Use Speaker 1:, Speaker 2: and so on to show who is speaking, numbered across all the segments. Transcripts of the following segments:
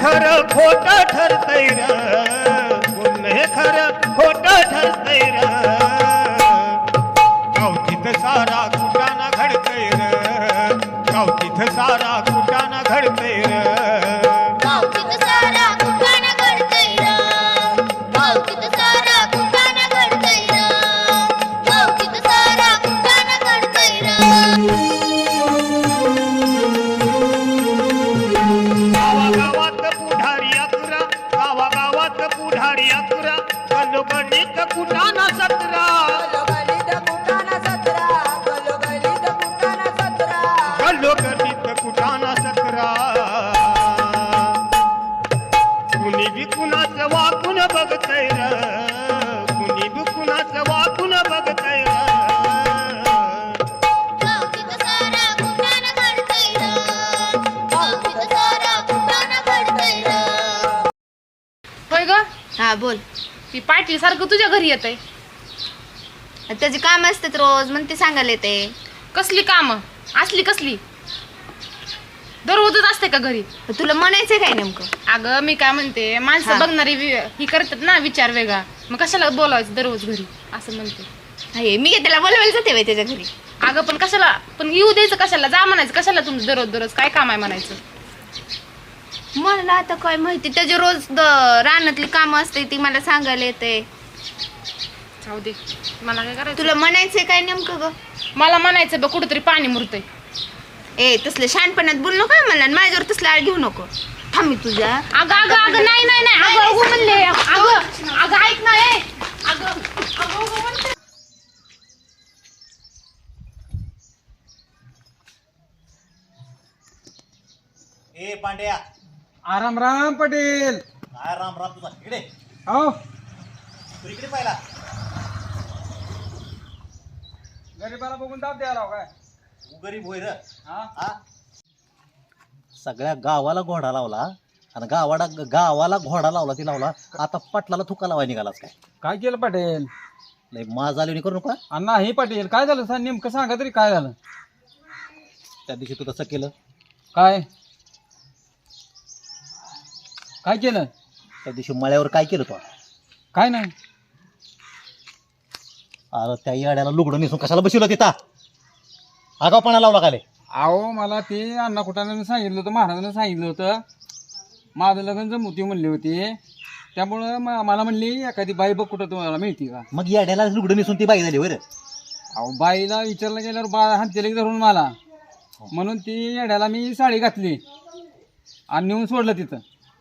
Speaker 1: खरं खोट ठरतय र, पुण्य खरं खोट ठरतय र, गावतीत सारा कुटाना घडतय र, गावतीत सारा कुटाना घडतय र,
Speaker 2: गावकीत सारा कुटाणा घडतय र, गावकीत सारा कुटाणा घडतय र, गावकीत सारा कुटाणा घडतय र.
Speaker 1: गावागावात पुढारी अकरा, गावागावात पुढारी अकरा, गणगणित कुटाना 17,
Speaker 3: गलोगलीत कुटाणा 17, गलोगलीत कुटाणा 17.
Speaker 1: गणगणित कुटाना 17. कुणी बी कुणाचं वाकून बघतय र, कुणी बी कुणाचं वाकून बघतय र,
Speaker 2: गावकीत सारा कुटाणा घडतय र, गावकीत सारा कुटाणा घडतय र.
Speaker 4: होय ग
Speaker 5: हा बोल.
Speaker 4: ती पाटील सारखं तुझ्या घरी येतंय.
Speaker 5: त्याचे काम असतात रोज म्हणून ते सांगायला येते.
Speaker 4: कसली कामं असली कसली दररोजच असते का घरी?
Speaker 5: तुला म्हणायचं काय नेमकं?
Speaker 4: अगं मी काय म्हणते माणसं
Speaker 5: हा.
Speaker 4: बघणारी ही करतात ना विचार वेगळा, मग कशाला बोलावायचं दररोज घरी असं म्हणते.
Speaker 5: हे मी काय त्याला बोलवायला जाते बाई त्याच्या घरी?
Speaker 4: अगं पण कशाला, पण येऊ द्यायचं कशाला, जा म्हणायचं कशाला, तुमचं दररोज दररोज काय काम आहे म्हणायचं.
Speaker 5: मला आता काय माहिती, त्याचे रोज रानातली कामं असते ती मला सांगायला येते.
Speaker 4: जाऊ दे, मला काय करायचं.
Speaker 5: तुला म्हणायचंय काय नेमकं ग?
Speaker 4: मला म्हणायचं बघ कुठेतरी पाणी मुरतंय.
Speaker 5: ए तसले शहाणपणात बोल नको मला, आणि माझ्यावर तसलं आळ घेऊ नको. थांब मी तुझ्या.
Speaker 4: अगं अगं अगं नाही नाही नाही अगं अगं म्हणले अगं अगं ऐक ना ए अगं अगं अगं म्हणते.
Speaker 6: ए पांड्या,
Speaker 7: आराम राम पटेल.
Speaker 6: काय राम राम तुझा इकडे,
Speaker 7: हो
Speaker 6: तू इकडे पाहिला.
Speaker 7: गरीबाला बघून दाब द्यायला काय?
Speaker 6: तू गरीब होय र.
Speaker 7: हा
Speaker 6: हा, सगळ्या गावाला घोडा लावला आणि गावाला घोडा लावला ती लावला, आता पटलाला थुका लावाय निघालाच काय?
Speaker 7: काय केलं पटेल?
Speaker 6: नाही माझ आली करू नका.
Speaker 7: नाही पटेल काय झालं सांग नेमकं, सांगा तरी काय झालं?
Speaker 6: त्या दिवशी तू तसं केलं,
Speaker 7: काय काय केलं?
Speaker 6: त्या दिवशी मळ्यावर काय केलं तू?
Speaker 7: काय नाही.
Speaker 6: अरे त्या याड्याला लुगडं नेसून कशाला बसवलं तिथं? आगावपणा लावला काले.
Speaker 7: अहो मला ते अण्णा कुटाने सांगितलं होतं, महाराजांनी सांगितलं होतं माझं लग्न जमवती म्हणली होती, त्यामुळं मला म्हणली एखादी बाई बघ कुठं तुम्हाला मिळते का.
Speaker 6: मग याड्याला लुगडं नेसून ती बाई झाली वर.
Speaker 7: अहो बाईला विचारलं गेल्यावर बा हातले धरून मला, म्हणून ती येड्याला मी साडी घातली आणि नेऊन सोडलं तिथं.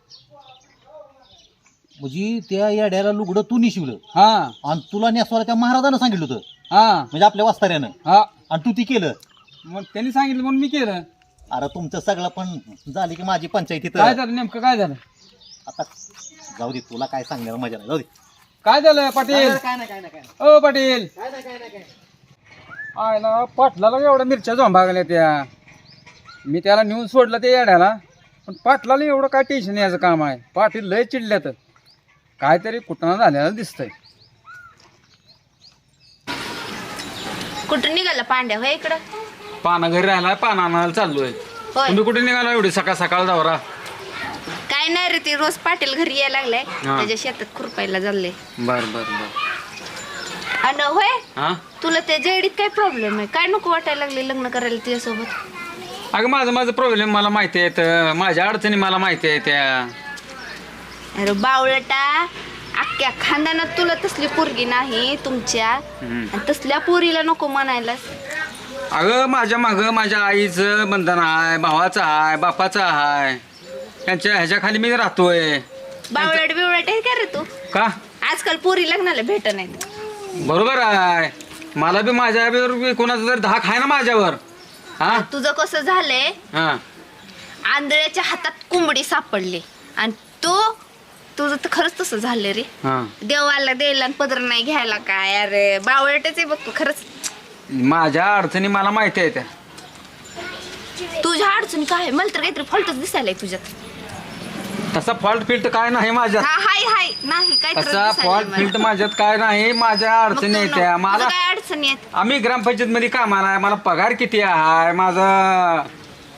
Speaker 6: म्हणजे त्या याड्याला लुगडं तू निशिवलं
Speaker 7: हा
Speaker 6: आणि तुला नेसवायला त्या महाराजानं सांगितलं होतं,
Speaker 7: हा
Speaker 6: म्हणजे आपल्या वास्ताऱ्यानं,
Speaker 7: हा
Speaker 6: आणि तू ती केलं.
Speaker 7: मग त्यांनी सांगितलं म्हणून मी केलं.
Speaker 6: अरे तुमचं सगळं पण झाली की माझी पंचायती
Speaker 7: काय
Speaker 6: तर
Speaker 7: झालं नेमकं काय झालं?
Speaker 6: आता जाऊ दे, तुला काय सांगण्याला मजा नाही, जाऊ दे.
Speaker 7: काय झालं पाटील?
Speaker 6: काय नाही काय नाही काय
Speaker 7: ओ पाटील,
Speaker 6: नाही.
Speaker 7: आयला पाटलाला एवढ्या मिरच्या झोंबागल्या त्या, मी त्याला नेऊन सोडलं ते येड्याला, पण पाटलाला एवढं काय टेन्शन याचं काम आहे. पाटील लय चिडल्यात, काहीतरी कुठं झालेलं दिसतंय.
Speaker 5: कुठं निघाला पांड्या होय इकडं?
Speaker 7: पाना घरी राहिला, पाना आणायला चाललोय.
Speaker 5: होय.
Speaker 7: तुम्ही कुठे निघाला एवढी सकाळ सकाळ जावरा?
Speaker 5: काय नाही रे, ते रोज पाटील घरी यायला लागलाय, त्याच्या शेतात खुरपायला चाललंय.
Speaker 7: बर बर बर.
Speaker 5: आणि होय
Speaker 7: हा
Speaker 5: तुला त्या जेडीत काय प्रॉब्लेम आहे? काय नको वाटायला लागले लग्न करायला तिच्यासोबत?
Speaker 7: अगं माझं प्रॉब्लेम मला माहिती आहेत, माझ्या अडचणी मला माहिती आहे त्या.
Speaker 5: अरे बावळटा, अख्ख्या खानदानात तुला तसली पोरगी नाही तुमच्या, आणि तसल्या पोरीला नको म्हणायलास.
Speaker 7: अगं माझ्या मागं माझ्या आईचं बंधन आहे, भावाचं आहे, बापाचं आहे, त्यांच्या ह्याच्या खाली मी राहतोय.
Speaker 5: बावळट बिवळट आहे का रे तू?
Speaker 7: का?
Speaker 5: आजकाल पोरी लग्नाला भेट नाहीत.
Speaker 7: बरोबर आहे, मला बी माझ्यावर कोणाचा जर धाक आहे ना माझ्यावर. हा
Speaker 5: तुझं कसं झालंय,
Speaker 7: हा
Speaker 5: आंधळ्याच्या हातात कोंबडी सापडली, आणि तुझं तर खरंच तसं झालं रे.
Speaker 7: हा
Speaker 5: देवाला द्यायला आणि पदर नाही घ्यायला काय. अरे बावळटच आहे बघ तू खरंच.
Speaker 7: माझ्या अडचणी मला माहिती आहे त्या.
Speaker 5: तुझ्या अडचणी काय? मला तर काहीतरी फॉल्टच दिसायलाय तुझ्यात.
Speaker 7: तसा फॉल्ट फिल्ट काय नाही माझ्यात.
Speaker 5: हा हाय नाही काय
Speaker 7: तसा फॉल्ट फिल्ट माझ्यात काय नाही. माझ्या अडचणी आहेत त्या. मला
Speaker 5: काय अडचणी आहेत?
Speaker 7: आम्ही ग्रामपंचायत मध्ये कामाला आहे, मला पगार किती आहे, माझा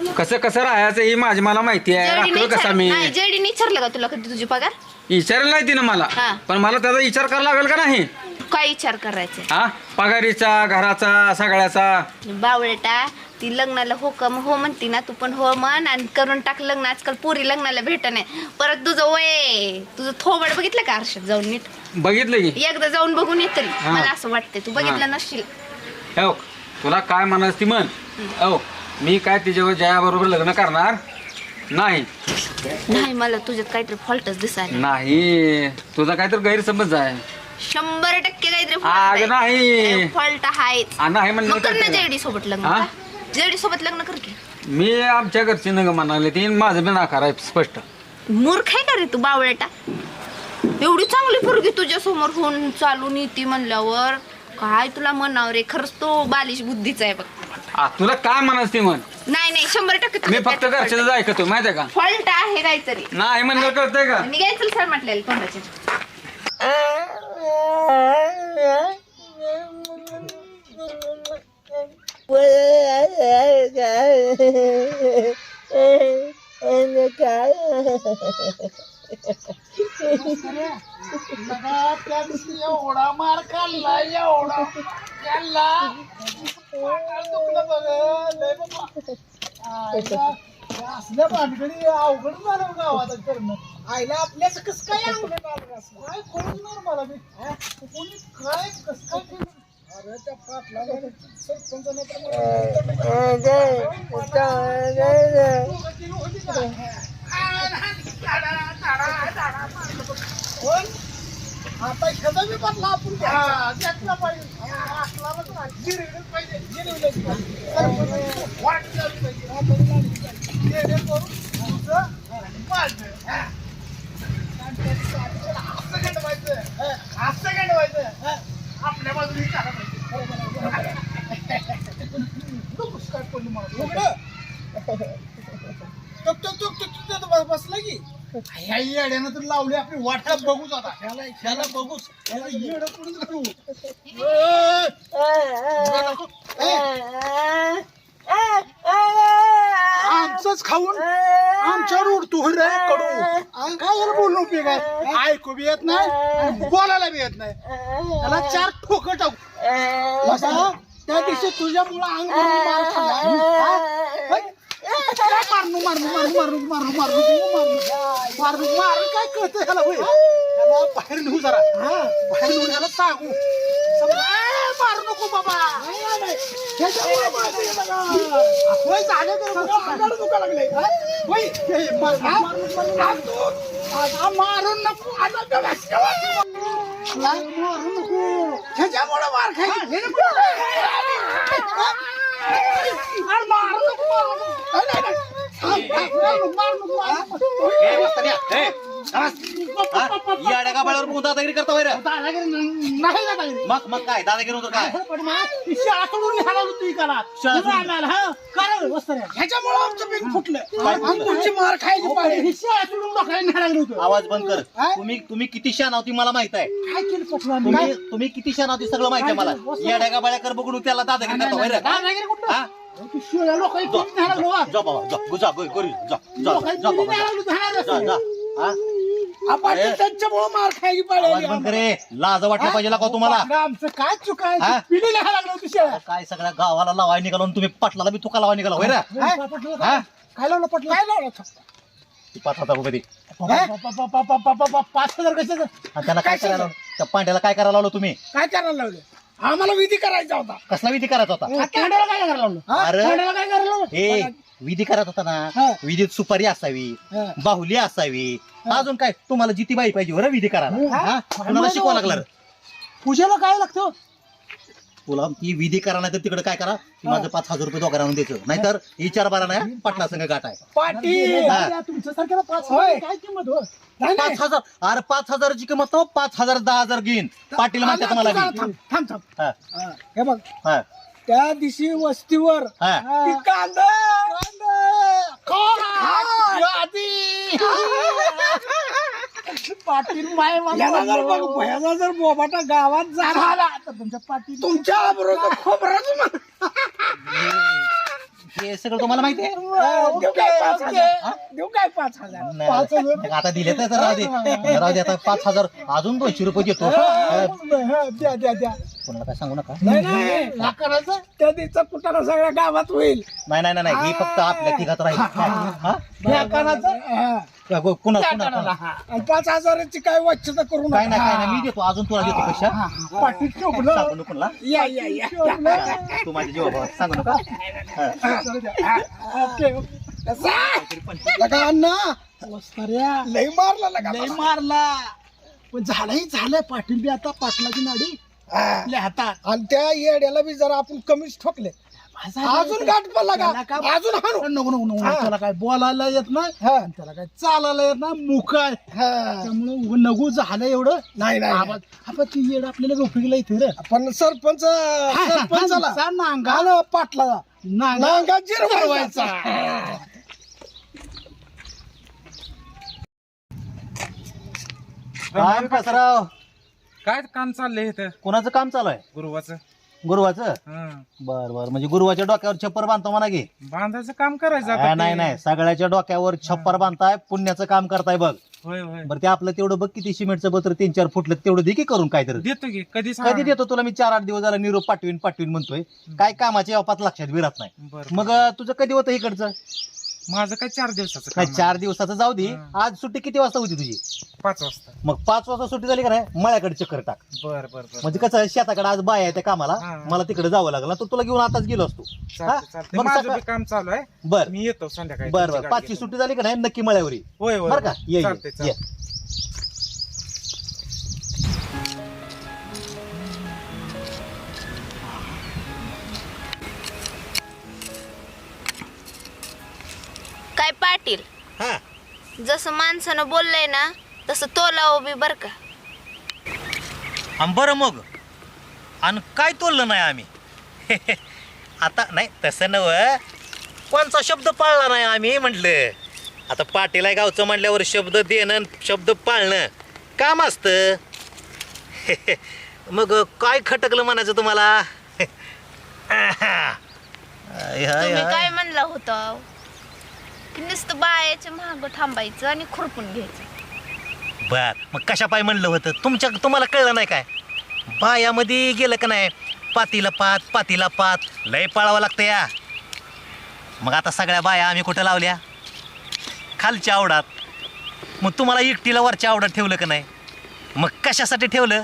Speaker 7: कसं कसं राहायचं हे माझी मला माहिती आहे. राखलं कसा मी
Speaker 5: जेडीने विचारलं का तुला कधी तुझी पगार?
Speaker 7: विचारलं नाही तिनं मला,
Speaker 5: हा.
Speaker 7: पण मला त्याचा विचार करायला लागेल का नाही?
Speaker 5: काय विचार करायचा?
Speaker 7: हा, पगारीचा, घराचा, सगळ्याचा.
Speaker 5: बावळटा ती लग्नाला हो म्हणती ना, तू पण हो म्हण आणि करून टाक लग्न. आजकाल पुरी लग्नाला भेट नाही. परत तुझं वय तुझं थोबड बघितलं का आरशात जाऊन नीट?
Speaker 7: बघितलं की
Speaker 5: एकदा जाऊन बघून येत तरी
Speaker 7: हा.
Speaker 5: मला असं वाटतंय तू बघितलं नसशील.
Speaker 7: हो, तुला काय म्हणायचं ती म्हण. हो, मी काय तिच्यावर जयाबरोबर लग्न करणार नाही.
Speaker 5: नाही मला तुझ्यात काहीतरी फॉल्टच दिसायला.
Speaker 7: नाही, तुझा काहीतरी गैरसमज आहे.
Speaker 5: 100% काहीतरी
Speaker 7: अग नाही.
Speaker 5: फॉल्ट आहेच.
Speaker 7: नाही म्हणलं
Speaker 5: मग कर ना
Speaker 7: तर काय?
Speaker 5: जेडी सोबत लग्न.
Speaker 7: हा?
Speaker 5: जेडी सोबत लग्न कर की.
Speaker 7: मी आमच्या घरची नग म्हणाले ती, माझं बी नाकार आहे स्पष्ट.
Speaker 5: मूर्ख आहे का रे तू बावळटा? एवढी चांगली पोरगी तुझ्या समोर होऊन चालून येते म्हणल्यावर काय तुला म्हणावं रे? खरंच तो बालिश बुद्धीचा आहे बघ.
Speaker 7: तुला काय म्हणायचं ती म्हण.
Speaker 5: नाही 100%
Speaker 7: मी फक्त घरच्याच ऐकतो, माहितीये का?
Speaker 5: फॉल्ट आहे काहीतरी.
Speaker 7: नाही म्हणलं कळतंय का?
Speaker 5: निघायचं सर म्हटलेलं तोंडाचे.
Speaker 1: एवढा मार खाल्ला एवढा खाल्ला असल्या भानगडी अवघड झालं गावात करणं. आईला आपल्याच कस काय अवघड आलं काय कळणार मला मी कोणी काय कस काय केलं? अरे त्या पाटलाला सरपंचाने आता ह्याचा बी बदला आपण घेतला पाहिजे. असला गिरविलच पाहिजे, गिरविलच पाहिजे. वाट लावली पाहिजे. जेणेकरून तुझं वाढलं. असं गंडवायचं, असं गंडवायचं. आपल्या बाजूने चालत पाहिजे. नकोच काय पडलं मला. बसला की ह्या येड्यानं तर लावली आपली वाटा बघूच. आता ह्याला बघूच, ह्याला येड पुढे करू. आमचंच खाऊन आमच्यावर उडतो रे कडू. काय याला बोलणं उपयोग आहे? ऐकू बी येत नाही, बोलायला बी येत नाही. त्याला 4 ठोकं टाकू. बसा, त्या दिवशी तुझ्यामुळं अंग भरून मार खाल्ला. मारणू मारणू मारणू मारणू मारणू मारणू मारणू मारणू मारणू काय कळतं ह्याला? होय, ह्याला बाहेर नेऊ जरा. बाहेर नेऊन ह्याला सांगू मारू नको बाबा. दुखा लागले मारून नको. मारू नको, ह्याच्यामुळे मार खायची.
Speaker 6: याड्या गाबाळावर बघून दादागिरी करता वैर.
Speaker 1: नाही दादागिरी.
Speaker 6: मग काय दादागिरी होतं काय?
Speaker 1: शाळा सोडून निघाला होतो इकाला. ह्याच्यामुळे आमचं पीक फुटलं. तुमची मार खायची पाहिजे. शाळा सोडून डोक्याला निघाला होतो.
Speaker 6: आवाज बंद कर. तुम्ही किती शान होती मला माहित आहे.
Speaker 1: काय केलं पटलं?
Speaker 6: तुम्ही किती शान होती सगळं माहिती आहे मला. येड्या गाबाळ्या कर बघून त्याला दादागिरी करता वैर.
Speaker 1: दादागिरी कुठं? शिळ्या लोकांनी तुम्ही निघाला लोहा.
Speaker 6: जा बाबा जा जा घरी जा जा
Speaker 1: लोकांनी
Speaker 6: जा
Speaker 1: तुम्ही
Speaker 6: बाबा
Speaker 1: निघाला
Speaker 6: जा जा जा. हा?
Speaker 1: आपण त्यांच्यामुळे मार खायची
Speaker 6: आवाज
Speaker 1: पाहिजे.
Speaker 6: बंद करे. लाज वाटलं पाहिजे का तुम्हाला?
Speaker 1: आमचं काय चुक आहे?
Speaker 6: हा?
Speaker 1: पिढी लिहायला लागलं होती शाळा.
Speaker 6: काय सगळ्या गावाला लावाय निघालो आणि तुम्ही पाटलाला बी तुका लावाय निघाला वैर. हा?
Speaker 1: काय लावलं पटलं? काय लावलं?
Speaker 6: 5,000 रुपये दे.
Speaker 1: 5,000 कशाचं?
Speaker 6: आणि त्याला काय करायला लावलं? त्या पांड्याला काय करायला लावलं तुम्ही?
Speaker 1: काय करायला लावलं? आम्हाला विधी करायचा होता.
Speaker 6: कसला विधी करायचा होता?
Speaker 1: तांड्याला काय करायला लावलं?
Speaker 6: अरे.
Speaker 1: तांड्याला काय करायला लावलं?
Speaker 6: हे विधी करत होता
Speaker 1: हा.
Speaker 6: ना, विधीत सुपारी असावी,
Speaker 1: हा.
Speaker 6: बाहुली असावी, अजून काय तुम्हाला जिती बाई पाहिजे बरं विधी करायला.
Speaker 1: हा?
Speaker 6: हा? कुणाला शिकवा लागला रे?
Speaker 1: पूजेला काय लागतं?
Speaker 6: तुला ती विधी करा नाही तर तिकडे काय करा, की माझं 5,000 रुपये दोघांना आणून द्यायचं. नाहीतर विचार बारा नाही पाटला संघ गाठ आहे.
Speaker 1: पाटील
Speaker 6: हा.
Speaker 1: तुमच्या सारख्याला 5,000 काय किंमत हो? नाही, नाही.
Speaker 6: 5,000. अरे 5,000ची किंमत तो 5,000 10,000 घेईन. पाटील म्हणतात मला
Speaker 1: थांब
Speaker 6: बी.
Speaker 1: थांब थांब.
Speaker 6: हा,
Speaker 1: हे बघ
Speaker 6: हा,
Speaker 1: त्या दिवशी वस्तीवर
Speaker 6: हा.
Speaker 1: ती कांदा पाटील माय भयाला जर बोबाटा गावात झाला तर तुमच्या पाटील तुमच्या बरोबर खोबरच
Speaker 6: हे सगळं तुम्हाला माहिती आहे
Speaker 1: देऊ काय 5,000? देऊ काय 5,000?
Speaker 6: नाही, आता दिले तर राहू दे आता 5,000 अजून 200 रुपये देतो
Speaker 1: द्या द्या द्या.
Speaker 6: कोणाला काय सांगू नका
Speaker 1: नाही लाकडाचं त्या दिवसा कुटाणा सगळ्या गावात होईल.
Speaker 6: नाही ही फक्त आपल्या तिघात राहील हा?
Speaker 1: ह्या कानाचं
Speaker 6: पुन्हा
Speaker 1: त्या
Speaker 6: पुन्हा
Speaker 1: कानाला. आणि 5,000ची काय वाच्यता करू
Speaker 6: काय
Speaker 1: नका.
Speaker 6: नाही मी देतो अजून तुला देतो पैसा
Speaker 1: पाठीत ठेवलं.
Speaker 6: सांगू नको ना
Speaker 1: या या या
Speaker 6: तू माझ्या जीवा सांगू नका
Speaker 1: लगा अण्णा लय मारला लय मारला पण झालंय पाटील बी आता पाटलाची नाडी आपल्या हातात. आणि त्या येड्याला बी जरा आपण कमीच ठोकले. अजून गाठ पडला का अजून नको त्याला काय बोलायला येत नाही आणि त्याला काय चालायला येत नाही मुकाय त्यामुळे नगू झालं एवढं नाही आपण ती येड आपल्याला उपयोगला इथे रे. आपण सरपंचाला नांगा पाटला नांगा जिरवायचा.
Speaker 6: काय कसराव
Speaker 7: काय काम चाललंय इथं
Speaker 6: कोणाचं काम चालू आहे
Speaker 7: गुरुवाचं
Speaker 6: गुरुवाचं बर म्हणजे गुरुवाच्या डोक्यावर छप्पर बांधतो म्हणा की
Speaker 7: बांधायचं काम करायचं आता ते.
Speaker 6: नाही सगळ्याच्या डोक्यावर छप्पर बांधताय पुण्याचं काम करताय बघ
Speaker 7: होय होय
Speaker 6: बरं ते आपलं तेवढं बघ किती सिमेंटचं पत्र 3-4 फुटलं तेवढं दे की करून काहीतरी
Speaker 7: देतो की कधी
Speaker 6: कधी देतो तुला मी 4-8 दिवस झाला निरोप पाठवीन म्हणतोय काय कामाच्या यापात लक्षात विरत नाही
Speaker 7: बरं
Speaker 6: मग तुझं कधी होतं इकडचं
Speaker 7: माझं काय 4 दिवसाचं
Speaker 6: काय
Speaker 7: काम
Speaker 6: 4 दिवसाचं जाऊ दे आज सुट्टी किती वाजता होती तुझी
Speaker 7: 5 वाजता
Speaker 6: मग 5 वाजता सुट्टी झाली का नाही मळ्याकडे चक्कर टाक
Speaker 7: बर
Speaker 6: म्हणजे कसं शेताकडे आज बाय आहे त्या कामाला
Speaker 7: हा.
Speaker 6: मला तिकडे जावं लागलं तर तुला घेऊन आताच गेलो असतो हा? मग
Speaker 7: माझं
Speaker 6: सकाळ-
Speaker 7: बी काम चालू आहे
Speaker 6: बर
Speaker 7: मी येतो संध्याकाळी
Speaker 6: बर
Speaker 7: तुमची
Speaker 6: बर
Speaker 7: गाडी
Speaker 6: 5ची
Speaker 7: घेऊन.
Speaker 6: सुट्टी झाली का नाही नक्की मळ्यावर ये
Speaker 7: होय होय
Speaker 6: बर का ये
Speaker 7: चालतंय,
Speaker 6: ये
Speaker 7: चालतंय.
Speaker 5: काय पाटील
Speaker 6: हा
Speaker 5: जसं माणसानं बोललंय ना तसं तोलावं बी बर का.
Speaker 6: बरं मग आणि काय तोललं नाही आम्ही आता नाही तसं नव कोणचा शब्द पाळला नाही आम्ही म्हटलं आता पाटील आहे गावचं म्हटल्यावर शब्द देणं शब्द पाळणं काम असतं मग काय खटकलं म्हणायचं तुम्हाला
Speaker 5: तुम्ही काय म्हणलं होतं की नुसतं बायाच्या महाग थांबायचं आणि खुरपून घ्यायचं.
Speaker 6: बर मग कशा पाय म्हणलं होतं तुम्हाला कळलं नाही काय बायामध्ये गेलं का नाही पातीला पात लय पाळावं लागतं या. मग आता सगळ्या बाया आम्ही कुठं लावल्या खालच्या आवडात मग तुम्हाला एकटीला वरच्या आवडात ठेवलं का नाही मग कशासाठी ठेवलं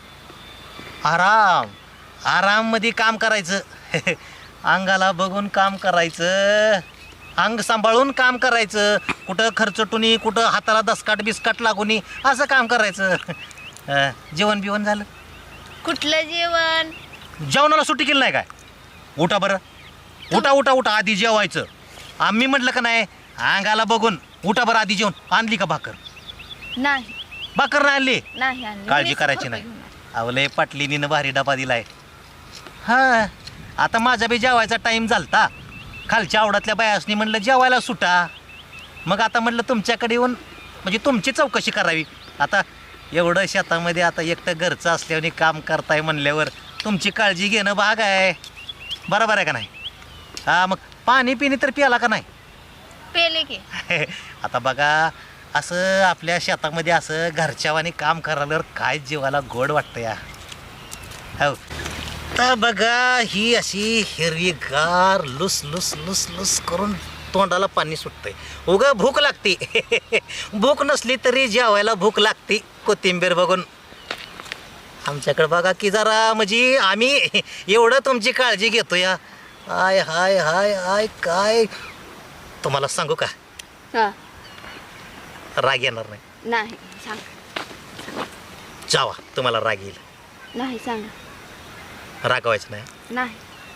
Speaker 6: आराम मध्ये काम करायचं अंगाला बघून काम करायचं अंग सांभाळून काम करायचं कुठं खर्चटुनी कुठं हाताला दसकाट बिस्काट लागून असं काम करायचं जेवण बिवण झालं
Speaker 5: कुठलं जेवण
Speaker 6: जेवणाला सुट्टी केली नाही काय उठा बरं उठा आधी जेवायचं आम्ही म्हटलं का नाही अंगाला बघून उठा बरं आधी जेवण आणली का भाकर
Speaker 5: नाही
Speaker 6: भाकर नाही आणली
Speaker 5: नाही आणली.
Speaker 6: काळजी
Speaker 5: मी
Speaker 6: करायची
Speaker 5: खुरपं
Speaker 6: नाही
Speaker 5: घेऊन आले.
Speaker 6: अवलय पाटलीनीनं भारी डबा दिलाय हा आता माझा बी जेवायचा टाईम झालता खालच्या आवडातल्या बायासनी म्हणलं जेवायला सुटा मग आता म्हटलं तुमच्याकडे येऊन म्हणजे तुमची चौकशी करावी आता एवढं शेतामध्ये आता एकटं घरचं असल्याने काम करताय म्हणल्यावर तुमची काळजी घेणं भाग आहे बरोबर आहे का नाही हा मग पाणी पिणी तर प्याला का नाही
Speaker 5: पेले की
Speaker 6: आता बघा असं आपल्या शेतामध्ये असं घरच्यावानी काम करायला काय जीवाला गोड वाटतं या हो तर बघा ही अशी हिरवीगार लुस लुस लुस लुस करून तोंडाला पाणी सुटतंय उगा भूक लागते भूक नसली तरी जेवायला भूक लागते कोथिंबीर बघून आमच्याकडे बघा की जरा म्हणजे आम्ही एवढं तुमची काळजी घेतो या आय हाय हाय आय काय तुम्हाला सांगू का
Speaker 5: हा
Speaker 6: राग येणार नाही
Speaker 5: नाही सांग
Speaker 6: जावा तुम्हाला राग येईल
Speaker 5: नाही सांग
Speaker 6: रागवायचं नाही
Speaker 5: नाही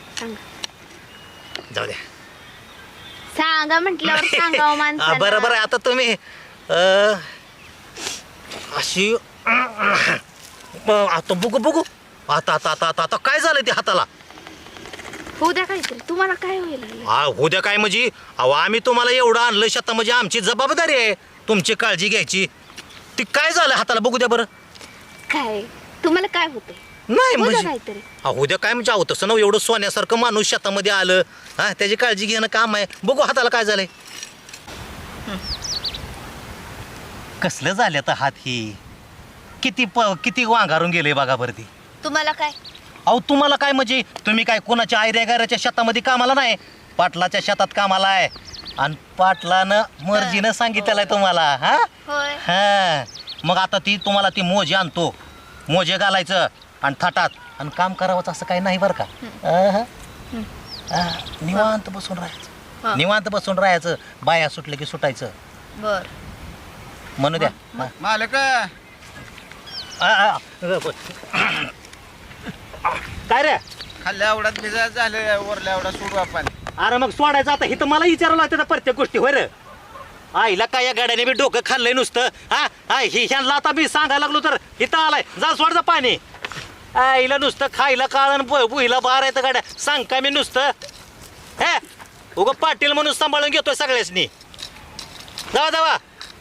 Speaker 5: सांग
Speaker 6: जाऊ द्या
Speaker 5: सांगा म्हटल्यावर सांगावं माणसाला.
Speaker 6: बरं आता तुम्ही अशी आता बघू आता काय झालं ते हाताला
Speaker 5: होऊ द्या काहीतरी तुम्हाला काय होईल
Speaker 6: उद्या काय म्हणजे अहो आम्ही तुम्हाला एवढं आणलं शेता म्हणजे आमची जबाबदारी आहे तुमची काळजी घ्यायची ती काय झालं हाताला बघू द्या बरं
Speaker 5: काय तुम्हाला काय होतंय
Speaker 6: नाही
Speaker 5: हो द्या
Speaker 6: म्हणजे
Speaker 5: काहीतरी.
Speaker 6: उद्या काय म्हणजे आहो तसं ना एवढं सोन्यासारखं माणूस शेतामध्ये आलं हा त्याची काळजी घेणं काम आहे. बघू हाताला काय झालंय. कसलं झालं तर हात ही किती वांगारून गेले बघा बरं ती.
Speaker 5: तुम्हाला काय
Speaker 6: अहो तुम्हाला काय म्हणजे तुम्ही काय कोणाच्या आयऱ्यागाऱ्याच्या शेतामध्ये कामाला नाही, पाटलाच्या शेतात कामाला आहे. आणि पाटलानं मर्जीनं सांगितलेलं आहे तुम्हाला. हा
Speaker 5: होय
Speaker 6: हा मग आता तुम्हाला ती मोजे आणतो, मोजे घालायचं आणि थाटात आणि काम करावंच असं काही नाही बरं का. निवांत बसून राहायचं, निवांत बसून राहायचं. बाया सुटलं की सुटायचं.
Speaker 5: बर
Speaker 6: म्हणू द्या.
Speaker 7: मालक
Speaker 6: काय रे
Speaker 7: खाल्ल्या आवडात भिजा झालं वरल्या आवडा सोडू आपण.
Speaker 6: अरे मग सोडायचं आता हे तर मला विचारावं लागतं त्या प्रत्येक गोष्टी. होय रे आईला काय या गाड्याने मी डोकं खाल्लंय नुसतं. हा ह्यांना आता मी सांगायला लागलो तर इथं आलाय जा सोड जा पाणी. आईला नुसतं खायला काळण बुहीला बार येतं गाड्या सांग काय मी नुसतं. हे उगं पाटील म्हणून सांभाळून घेतोय सगळ्यासनी. जावा जावा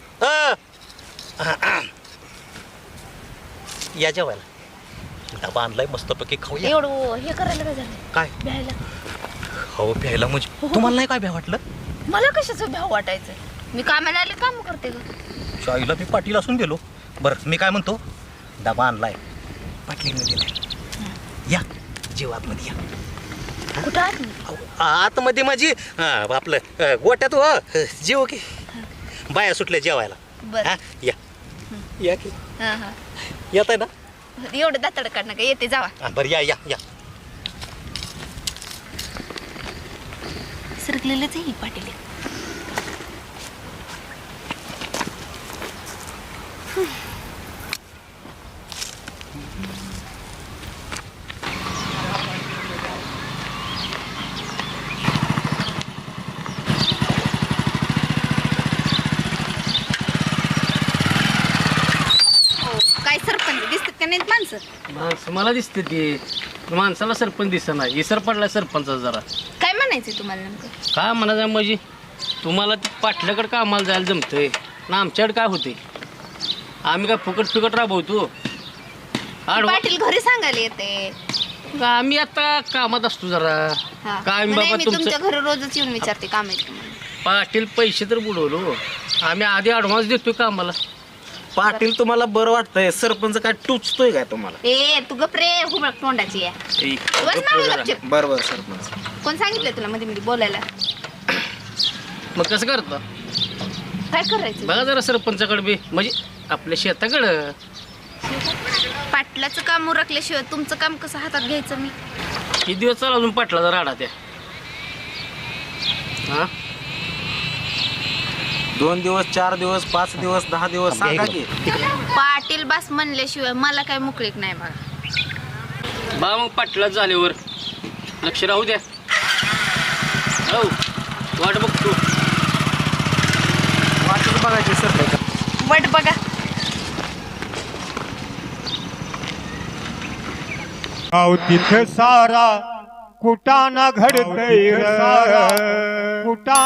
Speaker 6: या जेवायला डबा आणलाय मस्तपैकी खाऊया.
Speaker 5: एवढं हे करायला काय झालं
Speaker 6: काय
Speaker 5: भ्यायला.
Speaker 6: हो प्यायला म्हणजे तुम्हाला नाही काय भ्या वाटलं.
Speaker 5: मला कशाचं भ्याव वाटायचं. मी कामाला आले काम करते ग.
Speaker 6: शाईला मी पाटील असून गेलो. बरं मी काय म्हणतो डबा आणलाय पाटलीने दिलाय. या जेव आतमध्ये या.
Speaker 5: कुठं आत मी?
Speaker 6: आतमध्ये माझी आपलं गोट्यात हो जेव की बाया सुटल्या जेवायला.
Speaker 5: बरं
Speaker 6: हा या या की
Speaker 5: हा हा
Speaker 6: येत आहे ना.
Speaker 5: एवढं दातड काढणं का येते जावा.
Speaker 6: हा, बरं या या या.
Speaker 5: सरकलेलंच आहे ही पाटील. काय सरपंच दिसतात का नाहीत माणसं.
Speaker 8: माणसं मला दिसते ती माणसाला सरपंच दिसना इसर पडला सरपंचा जरा.
Speaker 5: काय म्हणायचं तुम्हाला नेमकं.
Speaker 8: काय म्हणायचं म्हणजे तुम्हाला ते पाटल्याकडे कामाला जायला जमतंय ना आमच्याकडे काय होते. आम्ही काय फुकट राबवतो.
Speaker 5: पाटील घरी सांगायला येते.
Speaker 8: आम्ही आता कामात असतो जरा.
Speaker 5: हा.
Speaker 8: काय
Speaker 5: नाही,
Speaker 8: बाबा
Speaker 5: मी
Speaker 8: तुमचं
Speaker 5: तुमच्या घरी रोजच येऊन विचारते काम आहे तुम्हाला.
Speaker 8: पाटील पैसे तर बुडवलो आम्ही आधी ॲडव्हान्स देतोय कामाला.
Speaker 9: पाटील तुम्हाला बरं वाटतंय सरपंच काय टुचतोय काय तुम्हाला.
Speaker 5: ए तू गप्रे हुबळ तोंडाची आहे. बस मागं गपचूप.
Speaker 9: बरोबर सरपंच.
Speaker 5: कोण सांगितलं तुला मध्ये मध्ये बोलायला.
Speaker 8: मग कसं करता
Speaker 5: काय करायचं.
Speaker 8: बघा जरा सरपंचाकडे बी म्हणजे आपल्या शेताकडं.
Speaker 5: पाटलाचं काम उरकल्याशिवाय तुमचं काम कसं हातात घ्यायचं मी.
Speaker 8: किती दिवस चालू अजून पाटलाचा राडा त्या. हा
Speaker 9: 2 दिवस 4 दिवस 5 दिवस 10 दिवस सांगा की.
Speaker 5: पाटील बास म्हणल्याशिवाय मला काय मोकळीक नाही बघा.
Speaker 8: बा मग पाटलाच झाल्यावर लक्ष राहू द्या. हो वाट बघतो.
Speaker 9: वाटच बघायची सरपंच.
Speaker 5: वाट बघा.
Speaker 10: तिथं सारा कुटाणा घडतय सारा कुटा